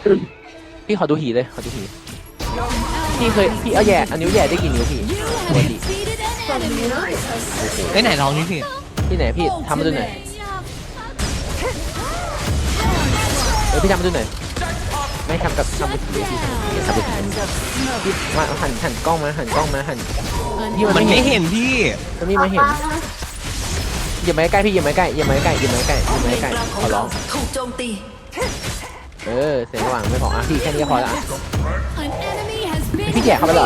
พี่ขอดูหีเลยขอดูหีพี่เอาแย่อันนิ้วแย่ได้กี่นิ้วพี่ปกติไอ้ไหนลองนี่พี่ที่ไหนพี่ทำมาดูหน่อยพี่ทำมาดูหน่อยไม่ทำกับทำมือถือพี่ทำมือถือพี่มาหันกล้องมาพี่มันไม่เห็นพี่มันไม่มาเห็นอย่ามาใกล้พี่อย่ามาใกล้ขอร้องถูกโจมตีเสียงระหว่างไม่พออ่ะพี่แค่นี้ก็พอละพี่แจกเข้าไปหรอ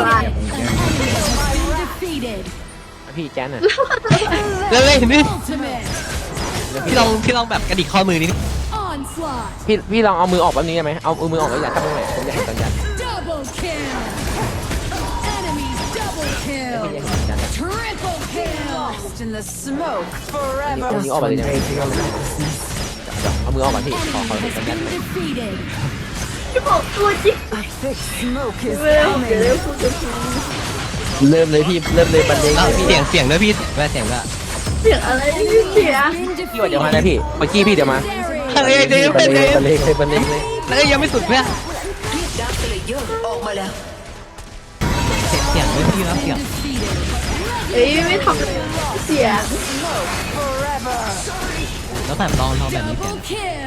พี่แจ๊นน่ะเลยนี่พี่ลองแบบกระดิกข้อมือนี่พี่ลองเอามือออกแบบนี้ได้ไหมเอามือออกแล้วอย่าทับตรงไหนผมอยากเห็นสัญญาณพี่อยากเห็นสัญญาณเอานิ้วออกไปเลยได้ไหมเอามือออกก่อนพี่ขอเห็นสัญญาณจะบอกตัวจริงเริ่มเลยพี่เริ่มเลยบันเลงเสียงด้วยพี่แม่เสียงด้วยเสียงอะไรเสียงพี่ว่าเดี๋ยวมานะพี่เมื่อกี้พี่เดี๋ยวมาเฮ้ยเดี๋ยวบันเลเดี๋ยวงเลยบันเลงเลยแล้วยังไม่สุดเพื่อนดาร์คเลเยอร์ออกมาแล้วเสียงด้วยพี่แล้วเสียงเอ้ยไม่ทำเสียงแล้วแบบลองแบบนี้เสียง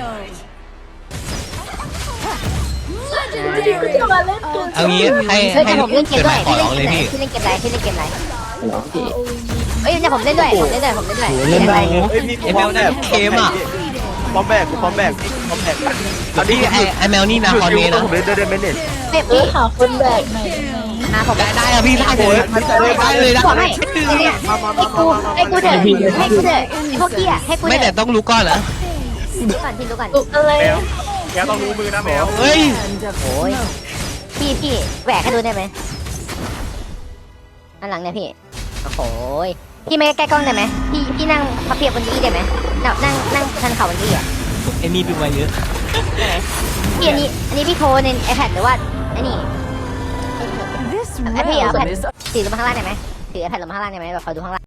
จริงก็จะมาเล่นตัวเอางี้ให้แต่ผมเล่นเกมด้วยขอร้องเลยพี่พี่เล่นเกมอะไรพี่เล่นเกมอะไรเอ้ยเดี๋ยวผมเล่นด้วยเล่นอะไรเอ้ยมีไอแมวเนี่ยเกมอ่ะพร้อมแบกเอาดิไอแมวนี่นะคอนเมนะผมเล่นได้ไหมเนี่ยเจ็บพี่หาคนแบกมาผมได้อะพี่ได้เลยได้เลยได้บอกให้ให้กูเถอะให้กูเถอะพวกกี้อ่ะให้กูไม่เถแต่อะต้องรู้ก่อนเหรอดูก่อนพี่ดูก่อนอะไรแกต้องรู้มือนะแมวเฮ้ยโอ้ยพี่แหวกให้ดูได้ไหมอันหลังเนี่ยพี่โอ้โหพี่ไม่ใกล้กล้องได้ไหมพี่นั่งพับเพียบบนนี้ได้ไหมนั่งทันเข่าบนนี้อ่ะไอ้นี่ดูมาเยอะพี่อันนี้พี่โทรใน iPad หรือว่าไอ้นี่ไอพี่เอา iPad ถือลงมาข้างล่างได้ไหมถือ iPad ลงมาข้างล่างได้ไหมแบบขอดูข้างล่าง